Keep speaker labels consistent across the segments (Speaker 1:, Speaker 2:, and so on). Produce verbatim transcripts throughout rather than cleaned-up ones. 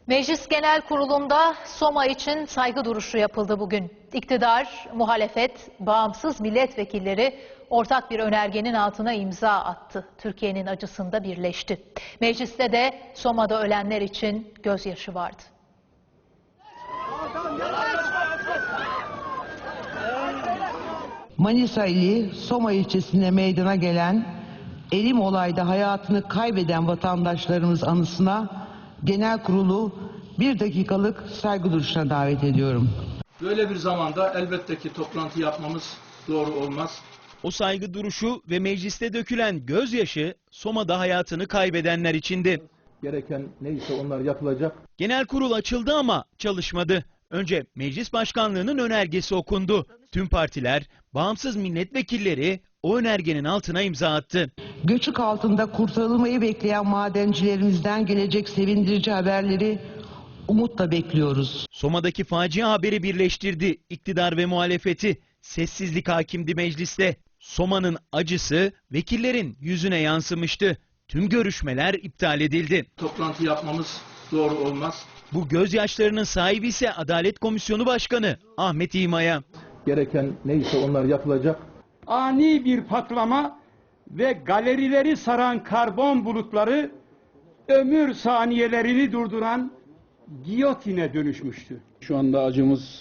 Speaker 1: Meclis Genel Kurulu'nda Soma için saygı duruşu yapıldı bugün. İktidar, muhalefet, bağımsız milletvekilleri ortak bir önergenin altına imza attı. Türkiye'nin acısında birleşti. Mecliste de Soma'da ölenler için gözyaşı vardı.
Speaker 2: Manisa ili Soma ilçesinde meydana gelen elim olayda hayatını kaybeden vatandaşlarımız anısına genel kurulu bir dakikalık saygı duruşuna davet ediyorum.
Speaker 3: Böyle bir zamanda elbette ki toplantı yapmamız doğru olmaz.
Speaker 4: O saygı duruşu ve mecliste dökülen gözyaşı Soma'da hayatını kaybedenler içindi.
Speaker 3: Gereken neyse onlar yapılacak.
Speaker 4: Genel kurul açıldı ama çalışmadı. Önce meclis başkanlığının önergesi okundu. Tüm partiler, bağımsız milletvekilleri o önergenin altına imza attı.
Speaker 2: Göçük altında kurtarılmayı bekleyen madencilerimizden gelecek sevindirici haberleri umutla bekliyoruz.
Speaker 4: Soma'daki facia haberi birleştirdi iktidar ve muhalefeti. Sessizlik hakimdi mecliste. Soma'nın acısı vekillerin yüzüne yansımıştı. Tüm görüşmeler iptal edildi.
Speaker 3: Toplantı yapmamız doğru olmaz.
Speaker 4: Bu gözyaşlarının sahibi ise Adalet Komisyonu Başkanı Ahmet İmaya.
Speaker 3: Gereken neyse onlar yapılacak.
Speaker 5: Ani bir patlama ve galerileri saran karbon bulutları ömür saniyelerini durduran giyotine dönüşmüştü.
Speaker 6: Şu anda acımız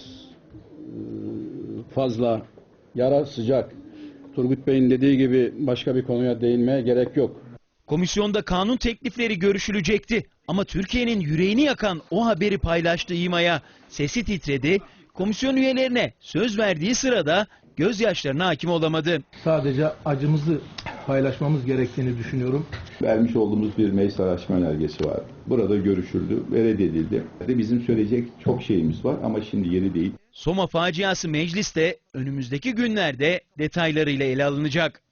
Speaker 6: fazla, yara sıcak. Turgut Bey'in dediği gibi başka bir konuya değinmeye gerek yok.
Speaker 4: Komisyonda kanun teklifleri görüşülecekti ama Türkiye'nin yüreğini yakan o haberi paylaştı İmaya. Sesi titredi, komisyon üyelerine söz verdiği sırada gözyaşlarına hakim olamadı.
Speaker 3: Sadece acımızı paylaşmamız gerektiğini düşünüyorum.
Speaker 7: Vermiş olduğumuz bir meclis araştırma önergesi var. Burada görüşüldü ve reddedildi. Bizim söyleyecek çok şeyimiz var ama şimdi yeri değil.
Speaker 4: Soma faciası mecliste önümüzdeki günlerde detaylarıyla ele alınacak.